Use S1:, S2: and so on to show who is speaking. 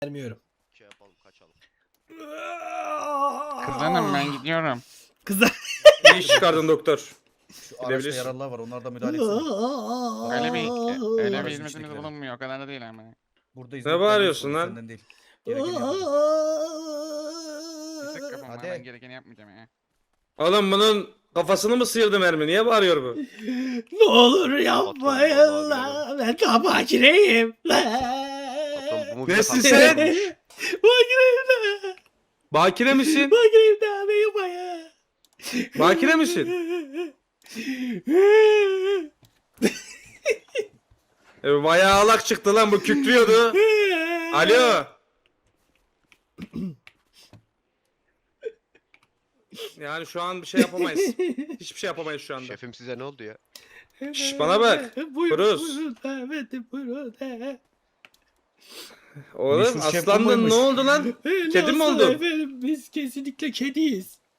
S1: Vermiyorum.
S2: Şey yapalım, kaçalım.
S3: Kızlanım ben gidiyorum.
S1: Kızlar.
S4: İyi iş çıkardın doktor.
S5: Şu araçta
S4: Gidebilirsin.
S5: yaralılar var. Onlar da müdahale etsene.
S3: Öyle bir
S5: Aracın
S3: hizmetimiz
S5: içindekileri.
S3: bulunmuyor. O kadar da değil ama.
S5: Burada
S4: Ne bağırıyorsun lan?
S5: Senden değil. Gerekeni yapalım.
S3: Sık kafama
S5: Hadi.
S3: ben gerekeni yapmayacağım ya.
S4: Oğlum bunun kafasını mı sıyırdı mermi? Niye bağırıyor bu?
S1: Ne olur yapmayın
S2: Patron,
S1: la. Ben tam makineyim la.
S2: Patron bu mu
S4: Nesin
S2: bize
S4: sen?
S2: kalmış?
S1: Makineyim la.
S4: Bakire misin?
S1: Makineyim la. Ben yapayım.
S4: Bakire misin? Bayağı alak çıktı lan, bu kükrüyordu. Alo. Yani şu an bir şey yapamayız. Hiçbir şey yapamayız şu anda.
S2: Şefim size ne oldu ya?
S4: Şş, bana bak.
S1: Buyurun,
S4: Bruce.
S1: buyurun efendim, buyurun.
S4: Oğlum
S5: Meşhur şef bu
S4: aslandın,
S5: muymuş?
S4: ne oldu lan? Kedi mi
S1: Nasıl
S4: oldun?
S1: efendim, biz kesinlikle kediyiz.